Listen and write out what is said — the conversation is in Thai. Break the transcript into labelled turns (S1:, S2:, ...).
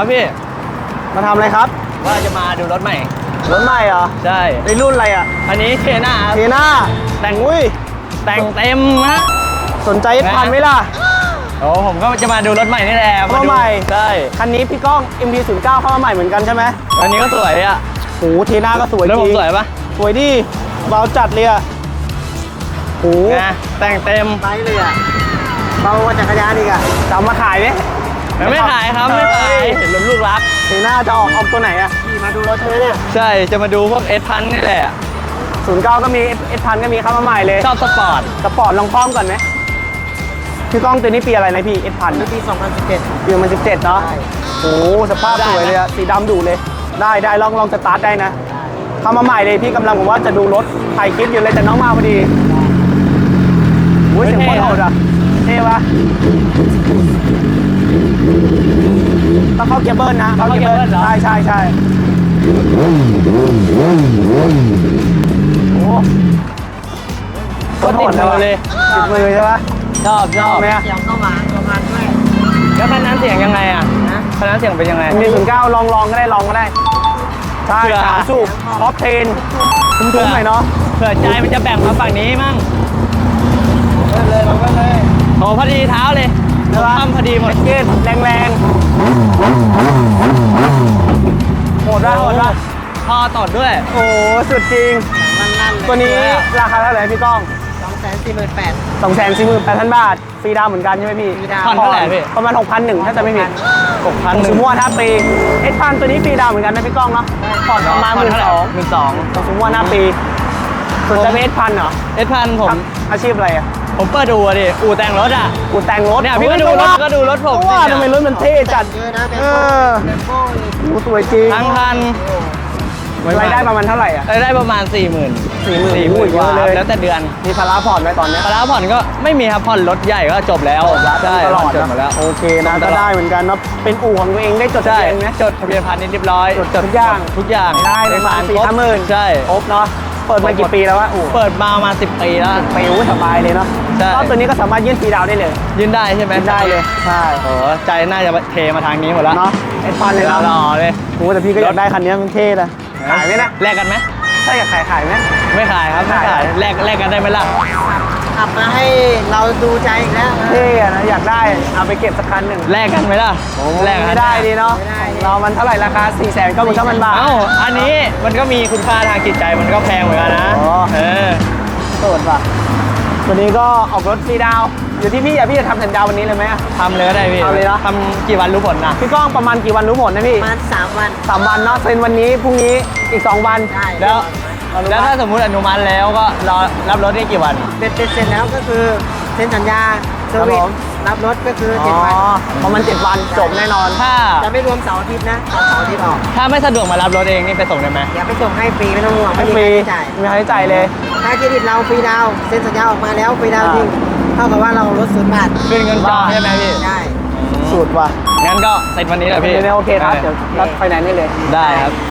S1: ครับพี่
S2: มาทำอะไรครับ
S1: ว่าจะมาดูรถใหม่
S2: รถใหม่เหรอ
S1: ใช่
S2: ในรุ่นอะไรอ่ะ
S1: อันนี้เทน่า
S2: เทน่าแต่งอุ้ย
S1: แต่งเต็มฮะ
S2: สนใจพันไหมล่ะ
S1: โอ้ผมก็จะมาดูรถใหม่นี่แหละ
S2: มาใหม่
S1: ใช่
S2: คันนี้พี่ก้อง MT09 เข้ามาใหม่เหมือนกันใช่ไหม
S1: อันนี้ก็สวยอ่ะ
S2: โอ้เทน่าก็สวยจริง
S1: แล้วผมสวยปะ
S2: สวยดิเบาจัดเลยอ่ะโอ้
S1: แต่งเต็ม
S2: ไปเลยอ่ะเบากว่าจักรยานอีกอ่ะจะเอามาขายไหม
S1: ไม่ขายครับไม่ขายเห็นรถลูกรัก
S2: เทน่าจะออกตัวไหนอ่ะขี่มาดูรถเธอเนี่ย
S1: ใช่จะมาดูพวกS1000นี่แหละ
S2: 09ก็มี S1000ก็มีเข้ามาใหม่เลย
S1: ชอบสปอร์ต
S2: ลองพร้อมก่อนไหมพี่ก้องตัวนี้ปีอะไรนะพี่ S1000
S1: ปี 2017
S2: ปี2017เนาะโอ้สภาพสวยเลยอะสีดำดูเลยได้ลองสตาร์ทได้นะเข้ามาใหม่เลยพี่กำลังผมว่าจะดูรถถ่ายคลิปอยู่เลยแต่น้องมาพอดีโอ้ยเสียงโคตรโหดอะเท่ปะต้องเข้าเกียร์เบิ้ลนะเข้าเกียร์เบิ้ลใช่โอ้
S1: ก็ติดมือเลย
S2: ติดมือใช่ปะ
S1: ชอบ
S2: ไหม
S1: เสียงก็หวานประมาณด้วยแล้วคันนั้นเสียงยังไงอ่ะคันนั้นเสียงเป็นยังไง
S2: มี09ลองก็ได้ใช่3สูบท็อป10คุ้มๆหน่อยเนาะ
S1: เผื่อใจมันจะแบ่งมาฝั่งนี้มั่ง
S2: เลย
S1: โอ้พอดีเท้าเลยทำพอดีหมด
S2: เกตแรงโหดป่ะ
S1: พอตดด้วย
S2: โอ้สุดจริงตัวนี้ราคาเท่าไหร่พี่ก้อง248,000 บาทฟรีดาวเหมือนกันใช่ไหมพี่
S1: ผ่อนเท่าไหร่พี่
S2: ประมาณ 6,100 ถ้าจะไม่ผิด
S1: 6,100
S2: สมมติว่าถ้าปีS1000ตัวนี้ฟรีดาวเหมือนกันนะพี่ก้องเนาะผ่อนประมาณ 12,000 สมมติว่าหน้าปีส่วนจะเป็น S1000 เหรอ
S1: S1000 ผม
S2: อาชีพอะไรอ่ะ
S1: ผมเปิดดูดิอู่แต่งรถอ่ะ
S2: อู่แต่งรถ
S1: เนี่ยพี่ก็ดูรถผม
S2: ว่าทำไมรถมันเท่จัดสวยจริง
S1: ทั้งคัน
S2: รายได้ประมาณเท่าไหร่อ่ะ
S1: รายได้ประมาณ 40,000
S2: กว่า
S1: แล้วแต่เดือน
S2: มีภาระผ่อนไหมตอนนี้
S1: ภาระผ่อนก็ไม่มีครับผ่อนรถใหญ่ก็จบแล้ว
S2: ใช่
S1: ตลอดจบหมดแล้ว
S2: โอเคนะก็ได้เหมือนกันเนาะเป็นอู่ของตัวเองได้จดทะเบียนไหม
S1: จดทะเบียนพาณิชย์เรียบร้อย
S2: จดทุกอย่าง
S1: ได้
S2: ประมาณ 4-5 หมื่น
S1: ใช่
S2: ครบเนาะเปิดมากี่ปีแล้ววะอู่
S1: เปิดมา10 ปีแล้ว
S2: ปีสบายเลยเนาะก็ตัวนี้ก็สามารถยื่นฟรีดาวได้เลย
S1: ยื่นได้ใช่ไหม
S2: ได้เลยใช่
S1: โอ้ใจน่าจะเทมาทางนี้หมดแล้ว
S2: เนาะS1000เลย
S1: หล่อเลย
S2: โอ้แต่พี่ก็อยากได้คันนี้มันเท่เลยขายไหมนะ
S1: แลกกันไหม
S2: ใช่อยากขายไหม
S1: ไม่ขายครับไม่ขายแลกกันได้ไหมล่ะ
S3: ขับมาให้เราดูใจอีกแล้ว
S2: เท่นะอยากได้เอาไปเก็บสักคันหนึ่ง
S1: แลกกันไหมล่ะ
S2: แลกไม่ได้ดีเนาะเรามันเท่าไหร่ราคา499,000 บาท
S1: อันนี้มันก็มีคุณค่าทางจิตใจมันก็แพงเหมือนกันนะ
S2: โสดป่ะตัวนี้ก็ออกรถฟรีดาวอยู่ที่พี่พี่จะทำสัญญาวันนี้เลยไหม
S1: ทำเลยก็ได้พี่
S2: เอาเลยเนาะ
S1: ทำกี่วันรู้ผลนะ
S2: พี่ก้องประมาณกี่วันรู้ผลนะพี่
S3: ประมาณ3 วัน
S2: 3 วันเนาะเซ็นวันนี้พรุ่งนี้อีก2 วัน
S1: แล้วถ้าสมมุติอนุมัติแล้วก็รอรับรถได้กี่วัน
S3: เป็นเสร็จแล้วก็คือเซ็นสัญญาเซอร์วิสรับรถก็คือ7 วัน
S2: ประมาณ7 วันจบแน่นอน
S1: ถ้า
S3: จะไม่รวมเสาร์อาทิตย์นะเสาร์อาทิตย์ออก
S1: ถ้าไม่สะดวกมารับรถเองนี่ไปส่งได้ไหม
S3: อย่าไปส่งให้ฟรีไม่ต้องห่วง
S2: ไม่มีค่าใช้จ่ายไม่ค่าใช้จ่ายเลย
S3: ถ้าเครดิตเราฟรีดาวเซ็นสัญญาออกมาแล้วฟรีดาวจริงเท่ากับว่าเราลด0 บาท
S1: ขึ้นเงินจองใช่ไหมพี่
S3: ใช่
S2: สุดว่ะ
S1: งั้นก็เสร็จวันนี้แหละพี่
S2: โอเคครับเดี๋ยวรับไฟแนนซ์ได้เลย
S1: ได้ครับ